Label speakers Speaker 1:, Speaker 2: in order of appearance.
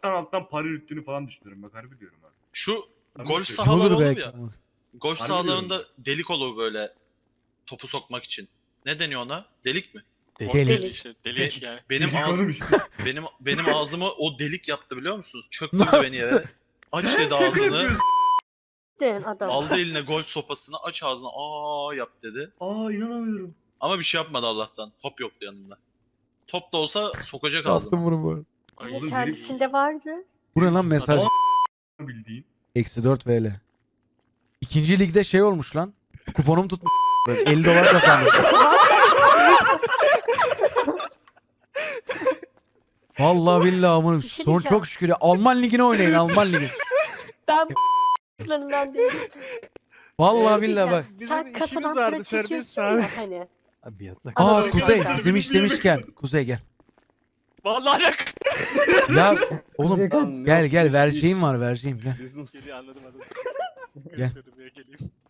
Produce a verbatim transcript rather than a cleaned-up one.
Speaker 1: alttan alttan para yürüttüğünü falan düşünüyorum. Bak harbi diyorum abi.
Speaker 2: Şu
Speaker 1: Tabii
Speaker 2: golf
Speaker 1: ki.
Speaker 2: sahaları
Speaker 3: Olur
Speaker 2: olur
Speaker 3: belki.
Speaker 2: ya. Golf
Speaker 1: Harbi
Speaker 2: sahalarında delik olur böyle topu sokmak için. Ne deniyor ona? Delik mi?
Speaker 3: Delik.
Speaker 4: Delik işte. Delik
Speaker 2: Be-
Speaker 4: yani.
Speaker 2: Benim
Speaker 1: Delik
Speaker 2: ağzım
Speaker 1: oğlum işte.
Speaker 2: benim benim ağzımı o delik yaptı biliyor musunuz? Çöktürdü
Speaker 3: Nasıl?
Speaker 2: beni yere. Aç dedi
Speaker 1: Şaka
Speaker 2: ağzını.
Speaker 1: yapıyorsun.
Speaker 5: Den adam.
Speaker 2: Aldı eline golf sopasını, aç ağzını, aa yap dedi.
Speaker 1: Aa inanamıyorum.
Speaker 2: Ama bir şey yapmadı Allah'tan. Top yoktu yanında. Top da olsa sokacak
Speaker 3: Yaptım
Speaker 2: ağzıma.
Speaker 3: bunu bu arada.
Speaker 4: Ay,
Speaker 1: Oğlum,
Speaker 5: Kendisinde vardı.
Speaker 3: Bu ne lan mesaj?
Speaker 1: Adam- Bildiğin.
Speaker 3: Eksi dört V L. İkinci ligde şey olmuş lan. Kuponum tutmuş. elli dolar kazanmış. Vallahi billahi amına
Speaker 5: Bir şey
Speaker 3: son
Speaker 5: diyeceğim.
Speaker 3: çok şükür ya. Alman ligine oynayın Alman ligi.
Speaker 5: Ben b***larından değilim.
Speaker 3: Vallahi
Speaker 5: Bir şey
Speaker 3: billahi bak.
Speaker 5: diyeceğim. Sen
Speaker 6: Bizim
Speaker 5: kasadan
Speaker 6: işimiz
Speaker 5: para
Speaker 6: vardı, serbest
Speaker 5: çekiyorsun
Speaker 6: abi.
Speaker 5: ya hani.
Speaker 6: Abi yatak.
Speaker 3: Aa
Speaker 5: Anadolu
Speaker 3: Kuzey
Speaker 5: Kuzey.
Speaker 3: bizim iş demişken. Kuzey gel.
Speaker 4: Vallahi alak.
Speaker 3: Ya oğlum
Speaker 6: Lan,
Speaker 3: gel
Speaker 6: yok,
Speaker 3: gel
Speaker 6: iş,
Speaker 3: vereceğim
Speaker 6: iş.
Speaker 3: var vereceğim gel.
Speaker 6: Business.
Speaker 4: Geliyor anladım anladım.
Speaker 3: Gel.
Speaker 4: Dedim ya, geleyim.